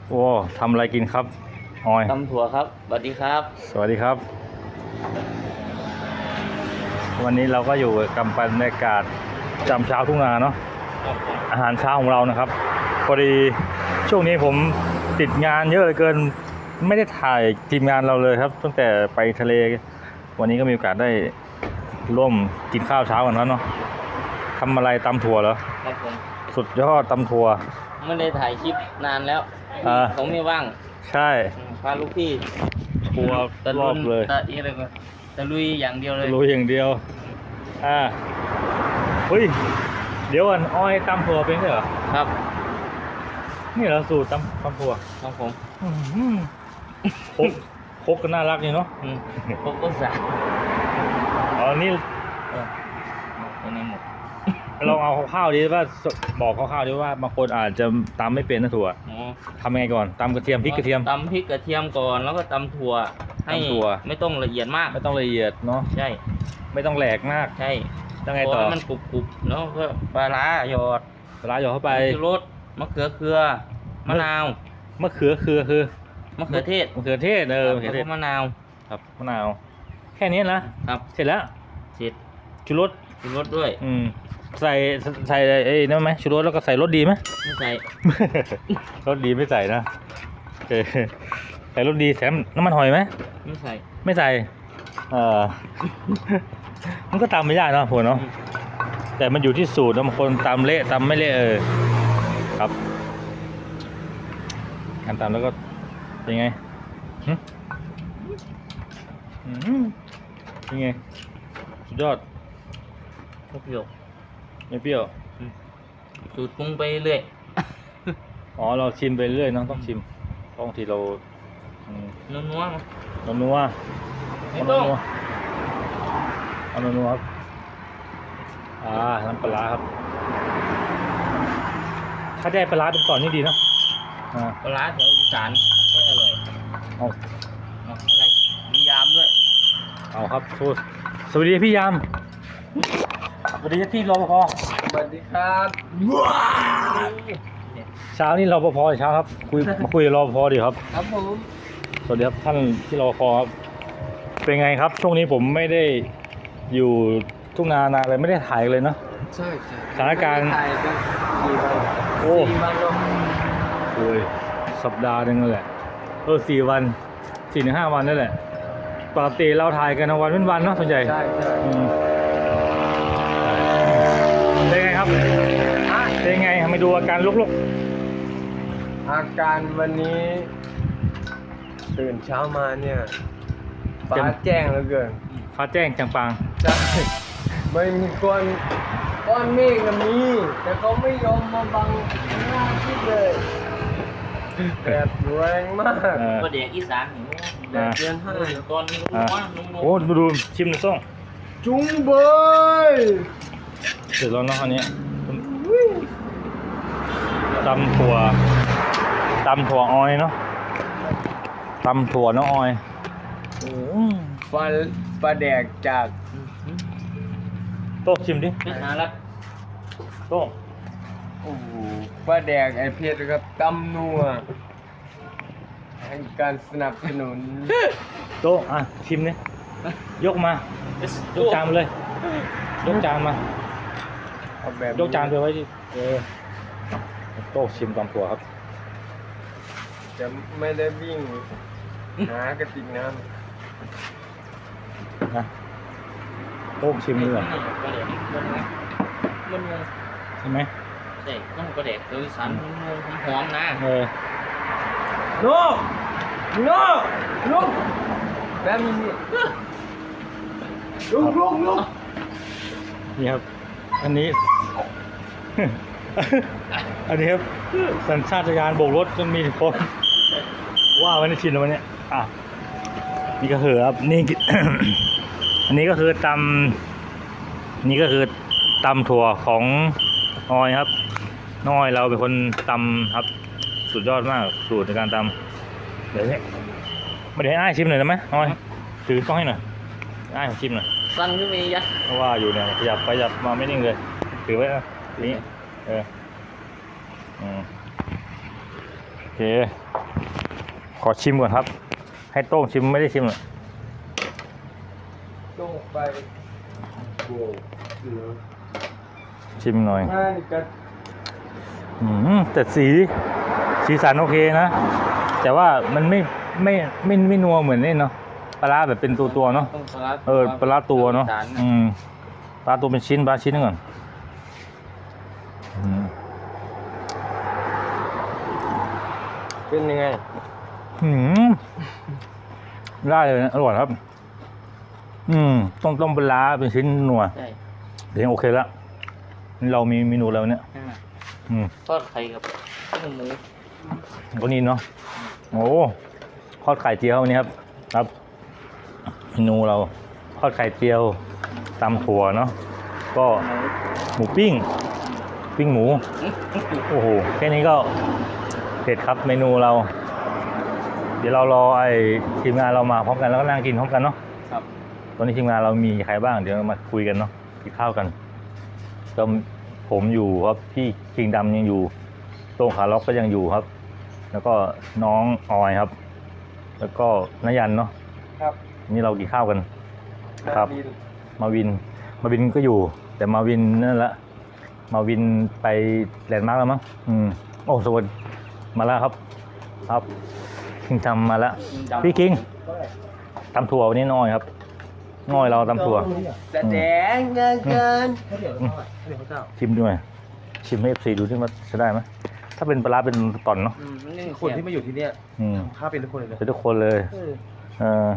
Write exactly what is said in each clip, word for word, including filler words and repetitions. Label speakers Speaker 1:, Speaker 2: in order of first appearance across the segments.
Speaker 1: โอ้ทำอะไรกินครับออย
Speaker 2: ตำถั่วครับสวัสดีครับ
Speaker 1: สวัสดีครับ วันนี้เราก็อยู่กับบรรยากาศจำเช้าทุ่งนาเนาะอาหารเช้าของเรานะครับพอดีช่วงนี้ผมติดงานเยอะเหลือเกินไม่ได้ถ่ายทีมงานเราเลยครับตั้งแต่ไปทะเลวันนี้ก็มีโอกาสได้ร่วมกินข้าวเช้ากันแล้วเนาะทำอะไรตำถั่วเหรอ
Speaker 2: ครับผม
Speaker 1: สุดยอดตำถั่ว
Speaker 2: ไม่ได้ถ่ายคลิปนานแล้วผมไม่ว่าง
Speaker 1: ใช่
Speaker 2: พาลูกพี่
Speaker 1: ทัวร์รอบเลย
Speaker 2: ตะอีอะไรก็ตะลุยอย่างเดียวเลย
Speaker 1: ลุยอย่างเดียวอ่าเฮ้ยเดี๋ยวอันอ้อยตำถั่วเป็นเหรอ
Speaker 2: ครับ
Speaker 1: นี่เราสูตรตำตำถั่ว
Speaker 2: ครับผม
Speaker 1: คกคกก็น่ารักนี่เนาะ
Speaker 2: คกก็สา
Speaker 1: อ๋อนี่
Speaker 2: ตัวนี้หมด
Speaker 1: ลองเอาข้าวๆดิว่าบอกข้าวๆดิว่าบางคนอาจจะตำไม่เป็นนะถั่วทำยังไงก่อนตำกระเทียมพริกกระเทียม
Speaker 2: ตำพริกกระเทียมก่อนแล้วก็ตำถั่วให้ไม่ต้องละเอียดมาก
Speaker 1: ไม่ต้องละเอียดเนาะ
Speaker 2: ใช่
Speaker 1: ไม่ต้องแหลกมาก
Speaker 2: ใช่
Speaker 1: ยังไงต่อ
Speaker 2: มันกรุบๆแล้วก็ปลาร้าหยอด
Speaker 1: ปลาร้าหยอดเข้าไป
Speaker 2: รสมะเขือเขือมะนาว
Speaker 1: มะเขือเขือคือ
Speaker 2: มะเขือเทศ
Speaker 1: มะเขือเทศเออมะเขือเทศ
Speaker 2: มะนาว
Speaker 1: ครับมะนาวแค่นี้นะครับเสร็จแล้ว
Speaker 2: เสร็จ
Speaker 1: ชูรส
Speaker 2: ชูรสด้วย
Speaker 1: อืมใส่ใส่ไอ้นั่นไหมชูรสแล้วก็ใส่รสดีไหม
Speaker 2: ไม่ใส่
Speaker 1: รสดีไม่ใส่นะเออใส่รสดีแถมน้ำมันหอยไหม
Speaker 2: ไม่ใส่
Speaker 1: ไม่ใส่เออมันก็ตำไม่ยากเนาะผมเนาะแต่มันอยู่ที่สูตรบางคนตำเละตำไม่เละเออครับการตำแล้วก็เป็นไงเป็นไงสุดยอด
Speaker 2: ไม่เปรี้ยว
Speaker 1: ไม่เปรี้ยว
Speaker 2: สูตรปรุงไปเรื่อย
Speaker 1: อ๋อเราชิมไปเรื่อยน้องต้องชิมบางทีเรา
Speaker 2: นัวนัว
Speaker 1: นัวนัว
Speaker 2: ไม่ต้อง
Speaker 1: เอานัวนัวครับอ่าน้ำปลาครับถ้าได้ปลาเป็นก่อนนี่ดีเนาะ
Speaker 2: ปลาแถวอีสานก็อร่อย
Speaker 1: เอา
Speaker 2: อะไรมียามด้วย
Speaker 1: เอาครับสวัสดีพี่ยามสวัสดีที่รปภ
Speaker 2: สวัสดีครับ
Speaker 1: เช้านี้รปภเช้าครับคุยมาคุยกับรปภดีครับ
Speaker 2: ครับผม
Speaker 1: สวัสดีครับท่านที่รปภครับเป็นไงครับช่วงนี้ผมไม่ได้อยู่ทุ่งนานาเลยไม่ได้ถ่ายเลยเนาะ
Speaker 2: ใช่ใช่
Speaker 1: สถานการณ์
Speaker 2: ถ่ายกันกี่วัน
Speaker 1: โอ้
Speaker 2: สี่วันลง
Speaker 1: โอ้ยสัปดาห์นึงนั่นแหละเออสี่วันสี่ถึงห้าวันนั่นแหละปกติเราถ่ายกันวันเป็นวันเนาะส่วนใหญ่
Speaker 2: ใช่ใช่
Speaker 1: เป็นไงครับเป็นไงมาดูอาการลุกๆ
Speaker 3: อาการวันนี้ตื่นเช้ามาเนี่ยฟ้าแจ้งเหลือเกิน
Speaker 1: ฟ้าแจ้งจังปัง
Speaker 3: ใช่ไม่มีก้อนก้อนเมฆมีแต่เขาไม่ยอมมาบังหน้าที่เลยแดดแรงมาก
Speaker 2: ก็เด็กอีสานหิวแดดเดือนห้าตอนนี้รู้ว่า
Speaker 1: โอ้ดูดูชิมหน่อยส่ง
Speaker 3: จุ้งเบย
Speaker 1: เสร็จแล้วเนาะอันนี้ตำถั่วตำถั่วออยเนาะตำถั่วน้องออย
Speaker 3: ปลาปลาแดกจาก
Speaker 1: โต๊ะชิมดิ
Speaker 2: ไปหาลัด
Speaker 1: โต๊ะ
Speaker 3: โอ้โหปลาแดกไอเพชรครับตำนัวให้การสนับสนุน
Speaker 1: โต๊ะอ่ะชิมเนี่ยยกมายกจานมาเลยยกจานมา
Speaker 3: เอาแบบ
Speaker 1: ยกจานไปไว้ที่เออโต๊ะชิมตำถั่วครับ
Speaker 3: จะไม่ได้วิ่งหากระติกน้ำ
Speaker 1: นะโต๊ะชิมเลยใช่ไหม
Speaker 2: ใช่ต้องกระเด็กตัวสันหอมนะ
Speaker 1: เออ
Speaker 3: โน่โน่ลุกแบบนี้ลุกลุกลุก
Speaker 1: นี่ครับอันนี้อันนี้ครับสัญชาตญาณโบกรถจนมีคนว่าวันนี้ชินแล้ววันนี้อ่ะนี่ก็คือครับนี่ อันนี้ก็คือตำนี่ก็คือตำถั่วของออยครับน้อยเราเป็นคนตำครับสุดยอดมากสูตรในการตำเดี๋ยวนี้มาเดี๋ยวให้อ้ายชิมหน่อยได้ไหมออยถือกล้องให้หน่อยอ้ายชิมหน่อย
Speaker 2: สั้นขึ้นมียัด
Speaker 1: เพราะว่าอยู่เนี่ยขยับไปขยับมาไม่นิ่งเลยถือไว้นะนี่เอออืมเคขอชิมก่อนครับ ให้โต้งชิมไม่ได้ชิมหรอก
Speaker 3: ต้องไปโว้เหลือ
Speaker 1: ชิมหน่อย
Speaker 3: ง่ายกัน
Speaker 1: อืมแต่สีสีสันโอเคนะ แต่ว่ามันไม่ไม่ไม่ไม่ไม่นัวเหมือนนี่เนาะปลาร้าแบบเป็นตัวตัวๆเนาะ
Speaker 2: ต้องปลาร้า
Speaker 1: เออปลาร้าตัวเนาะ
Speaker 2: จน
Speaker 1: อืมปลาตัวเป็นชิ้นปลาชิ้นนึงก่อนอืม
Speaker 3: เป็นยังไง
Speaker 1: อืมได้เลยนะอร่อยครับ อืมต้องต้องปลาร้าเป็นชิ้นนัว
Speaker 2: ใช่
Speaker 1: เดี๋ยวโอเคแล้วนี่เรามีเมนูแล้วเนี่ย
Speaker 2: นั่นน่ะ
Speaker 1: อืม
Speaker 2: ทอดไข่กับข้าวหมู
Speaker 1: ก็นี่เนาะโอ้ทอดไข่เจียววันนี้ครับ ครับเมนูเราทอดไข่เจียวตำถั่วเนาะก็หมูปิ้ง ปิ้งหมู โอ้โหแค่นี้ก็เผ็ดครับเมนูเรา เดี๋ยวเรารอไอ้ทีมงานเรามาพร้อมกันแล้วก็นั่งกินพร้อมกันเนาะ
Speaker 2: ครับ
Speaker 1: ตอนนี้ทีมงานเรามีใครบ้างเดี๋ยวมาคุยกันเนาะกินข้าวกันก็ผมอยู่ครับพี่คิงดำยังอยู่โต้งขาล็อกก็ยังอยู่ครับ แล้วก็น้องออยครับ แล้วก็นยันเนาะ
Speaker 3: ครับ
Speaker 1: นี่เรากินข้าวกันครับ มาวินมาวินก็อยู่ แต่มาวินนั่นแหละมาวินไปแลนด์มาร์กแล้วมั้งอืมโอ้สวัสดีมาแล้วครับ ครับคิงทำมาแล้วพี่คิงตำถั่ววันนี้น้อยครับน้อยเราตำถั่ว
Speaker 3: แสดงเงินเกิน
Speaker 1: ชิมด้วยชิมให้เอฟซีดูที่ว่าจะได้ไหมถ้าเป็นปลาร้าเป็นตอนเนาะ
Speaker 2: อืมนี่
Speaker 3: คนที่มาอยู่ที่เนี่ย
Speaker 1: อืม
Speaker 3: ข้าเป็นทุกคนเลยนะ
Speaker 1: เป็นทุกคนเลย เออย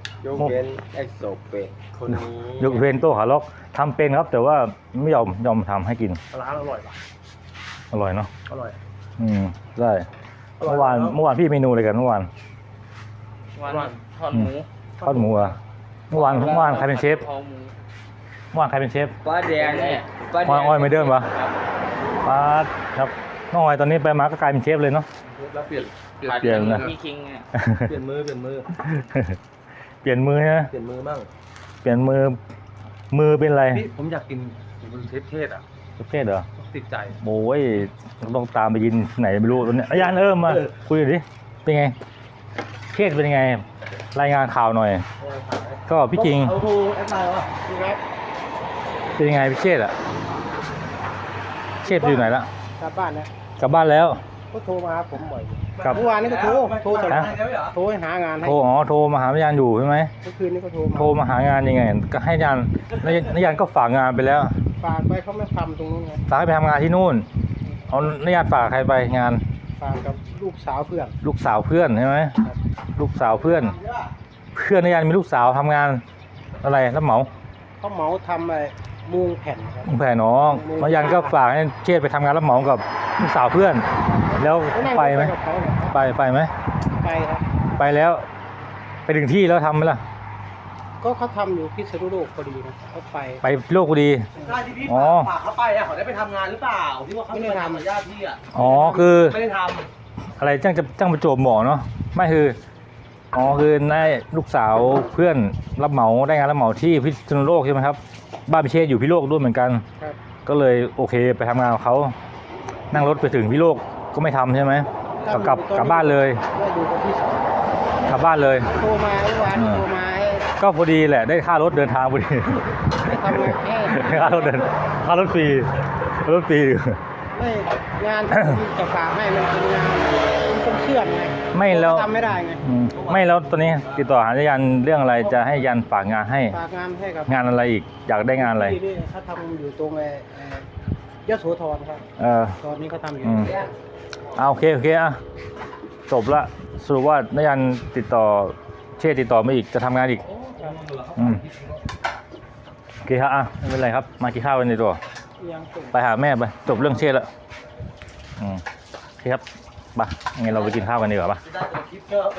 Speaker 3: กเว้นไอ้โซเปะคนนี้
Speaker 1: ยกเว้นโต้ขาล็อกทำเป็นครับ แต่ว่าไม่ยอมยอมทำให้กิน
Speaker 3: ร้านอร่อยป่ะ
Speaker 1: อร่อยเนาะ
Speaker 3: อร่อย
Speaker 1: อืมได้เมื่อวานเมื่อวานพี่เมนูอะไรกันเมื่อวาน
Speaker 2: วันทอดหมู
Speaker 1: ทอดหมูอะเมื่อวานเมื่อวานใครเป็นเชฟ
Speaker 2: คอหมู
Speaker 1: เมื่อวานใครเป็นเชฟ
Speaker 3: ป้าแดงเนี่ยป้าแด
Speaker 1: อ้อย
Speaker 3: ง
Speaker 1: อ้อยไม่เดิมปะ
Speaker 2: ครับ
Speaker 1: ป้าดครับน้องอ้อยตอนนี้ไปมาก็กลายเป็นเชฟเลยเนาะ
Speaker 3: แล้วเปลี่ยน
Speaker 2: ผัด
Speaker 1: เปลี่ยน
Speaker 2: กั
Speaker 1: นะ
Speaker 2: พี่คิงเนี่ย
Speaker 3: เปลี่ยนมือเปลี่ยนมือ
Speaker 1: เปลี่ยนมือนะ
Speaker 3: เปลี่ยนมือมั่ง
Speaker 1: เปลี่ยนมือมือเป็นอะไร
Speaker 3: พี่ผมอยากกินมันเทศเทศอ่ะ
Speaker 1: เทศเหรอ
Speaker 3: ติดใจ
Speaker 1: โอ้ยต้องตามไปยินไหนไม่รู้ตอนนี้อาจารย์เอิมมา
Speaker 3: เออ
Speaker 1: คุยหน่อยดิเป็นไงเทศเป็นยังไง รายงานข่าวหน่อย ก็พี่คิง
Speaker 3: เอาโทรแอดไลน์วะพี่ครับ
Speaker 1: เป็นยังไงพี่เชษอะเชษอยู่ไหนละ
Speaker 3: กลับบ้านนะ
Speaker 1: กลับบ้านแล้ว
Speaker 3: ก็โทรมาหาผมบ่อย
Speaker 1: กลับ
Speaker 3: เมื่อวานนี้ก็โทรโทร
Speaker 1: ฮะ
Speaker 3: โทรให้หางานให้
Speaker 1: โทรอ๋อโทรมาหาอาจารย์อยู่ใช่ไหม
Speaker 3: เมื่อคืนนี้ก็โทรมา
Speaker 1: โทรมาหางานยังไง ก็ให้อาจารย์แล้วอาจารย์ก็ฝากงานไปแล้ว
Speaker 3: ฝากไปเขาไม่ทำตรงนู้นไง
Speaker 1: ฝากให้ไปทำงานที่นู่นเอาอาจารย์ฝากใครไปงาน
Speaker 3: ฝากกับลูกสาวเพื่อน
Speaker 1: ลูกสาวเพื่อนใช่ไหมลูกสาวเพื่อน เพื่อนอาจารย์มีลูกสาวทำงานอะไรรับเหมา
Speaker 3: เขาเหมาทำไอ้มุงแผ่นครับ
Speaker 1: แผ่น้องอาจารย์ก็ฝากให้เชษไปทำงานรับเหมากับลูกสาวเพื่อน แล้ว
Speaker 3: เขานั่ง
Speaker 1: ไปไหม
Speaker 3: กับเขาเนี่ย
Speaker 1: ไปไปไหม
Speaker 3: ไปครับ
Speaker 1: ไปแล้ว ไปถึงที่แล้วทำไหมล่ะ
Speaker 3: ก็เขาทำอยู่พิษณุโลกพอดีนะเขาไป
Speaker 1: ไปโลกพอดี
Speaker 4: ได้ที่พี่
Speaker 1: อ๋อ
Speaker 4: ฝากเขาไปอ่ะเขาได้ไปทำงานหรือเปล่าที่ว่าเขาไม่ได้ทำกับญาติพี่อ่ะ
Speaker 1: อ๋อคือ
Speaker 4: ไม่ได้ท
Speaker 1: อะไรจ้างจะจ้างประจวบหมอเนาะไม่คืออ๋อคือได้ลูกสาวเพื่อนรับเหมาได้งานรับเหมาที่พิษณุโลกใช่ไหมครับบ้านพิเชษอยู่พิโลกด้วยเหมือนกัน
Speaker 3: ครับ
Speaker 1: ก็เลยโอเคไปทำงานกับเขานั่งรถไปถึงพิโลกก็ไม่ทำใช่ไหมกลับกลับกลับบ้านเลย
Speaker 3: ได้ดูคนที่สอง
Speaker 1: กลับบ้านเลย
Speaker 3: โทรมาเมื่อวาน
Speaker 1: เออ
Speaker 3: โทรมาให้
Speaker 1: ก็พอดีแหละได้ค่ารถเดินทางพอดี
Speaker 3: ให้ทำงานให้
Speaker 1: ค่ารถเดินค่ารถฟรีรถฟรี
Speaker 3: ไม่งานที่จะฝากให้มันเป็นงานมันต้องเชื่อมไง
Speaker 1: ไม่แล้ว
Speaker 3: ทำไม่ได้ไง
Speaker 1: อืมไม่แล้วตอนนี้ติดต่อหายันเรื่องอะไรจะให้ยันฝากงานให้
Speaker 3: ฝากงานให้กับ
Speaker 1: งานอะไรอีกอยากได้งานอะไร
Speaker 3: ที่นี่เขาทำอยู่ตรงไอ้ไอ้ยโสธรครับ
Speaker 1: เออ
Speaker 3: ตอนนี้เขาทำอยู่
Speaker 1: อืม เอาโอเคโอเคอ่ะจบละสรุปว่านายันติดต่อเชษติดต่อมาอีกจะทำงานอีกอืมโอเคครับอ่ะไม่เป็นไรครับมากินข้าวกันในตัว
Speaker 3: ยังส่ง
Speaker 1: ไปหาแม่ไปจบเรื่องเชษแล้วอืมโอเคครับไปงั้นเราไปกินข้าวกันดีกว่าปะ
Speaker 4: ำจะได้ตัวคลิปเยอะ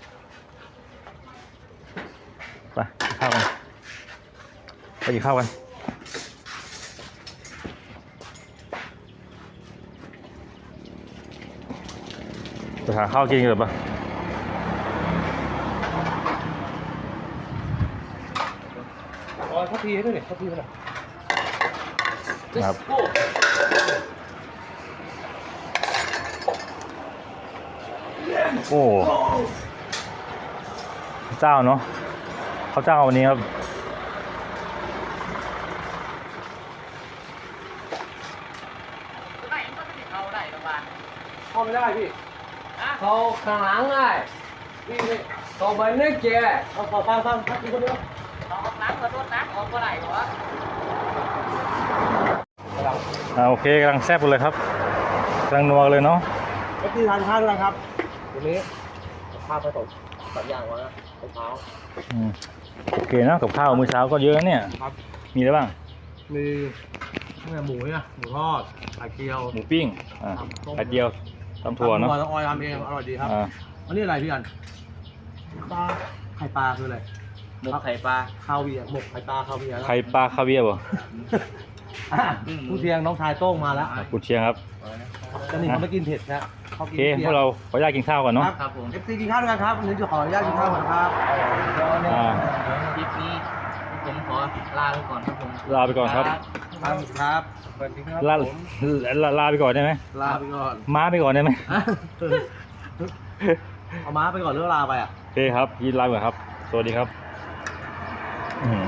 Speaker 1: ไปกินข้าวกันไปกินข้าวกันไปหาข้าวกินกันเลยปะ
Speaker 3: อ๋อทัพพีให้ด้วยเนี่ยทัพพีมันอ่ะ
Speaker 1: ครับ
Speaker 4: โอ้
Speaker 1: โอ้ข้าวเจ้าเนาะข้าวเจ้าวันนี้ครับ
Speaker 3: เข้าไม่ได้พี่เขาข้างหลังได้พี่นี่เขาไปนึกแก
Speaker 4: เอาขอฟังฟังครับคุณคนเดียว
Speaker 1: อ่าโอเคกำลังแซ่บเลยครับกำลังนัวเลยเนาะ
Speaker 4: เอฟซีทานข้าวด้วยครับวันนี้ข้าวผสมสามอย่างวะนะมะพร้าว
Speaker 1: อืมโอเคนะกับข้าวมื้อเช้าก็เยอะนะเนี่ย
Speaker 4: ครับ
Speaker 1: มีอะไรบ้าง
Speaker 4: มีเนี่ยหมูเนี่ยหมูทอดไข่เจียว
Speaker 1: หมูปิ้งอ่า
Speaker 4: ครับต้ม
Speaker 1: ไข่เจียวตำถั่วเนาะ
Speaker 4: ต้องออยทำเองอร่อยดีครับ
Speaker 1: อ่า
Speaker 4: อันนี้อะไรพี่อันปลาไข่ปลาคืออะไร
Speaker 2: หมกไข่ปลา
Speaker 4: ข้าวเวียร์หมกไข่ปลาข้าวเวียร์
Speaker 1: ไข่ปลาคาเวียร์บ่
Speaker 4: อ่ะผู้เชียงน้องชายโต้งมาแล้ว
Speaker 1: คุณเชียงครับ
Speaker 4: จะหนีเขาไม่กินเผ็ดนะเขา
Speaker 1: โอ
Speaker 4: กิน
Speaker 1: เค
Speaker 4: เปรี้
Speaker 1: พ
Speaker 4: ยว
Speaker 1: กเราขออนุญาตกินข้าวก่อนเนาะ
Speaker 2: ครับผม
Speaker 4: เอฟซีกินข้าวด้วยกันครับวันนี้จะขออนุญาตกินข้าวก่อนครับ
Speaker 1: อ่า
Speaker 2: คลิปนี้ผมขอลาไปก่อนครับผม
Speaker 1: ลาไปก่อนครับ
Speaker 4: ครับครับสวัสดีครับ
Speaker 1: ลา
Speaker 4: ผม
Speaker 1: ลาลาไปก่อนได้ไหม
Speaker 4: ลาไปก่อน
Speaker 1: ม้าไปก่อนได้ไหม
Speaker 4: เอาม้าไปก่อนหรือลาไปอ่ะ
Speaker 1: โอเคครับยินลาไปก่อนครับ สวัสดีครับอืม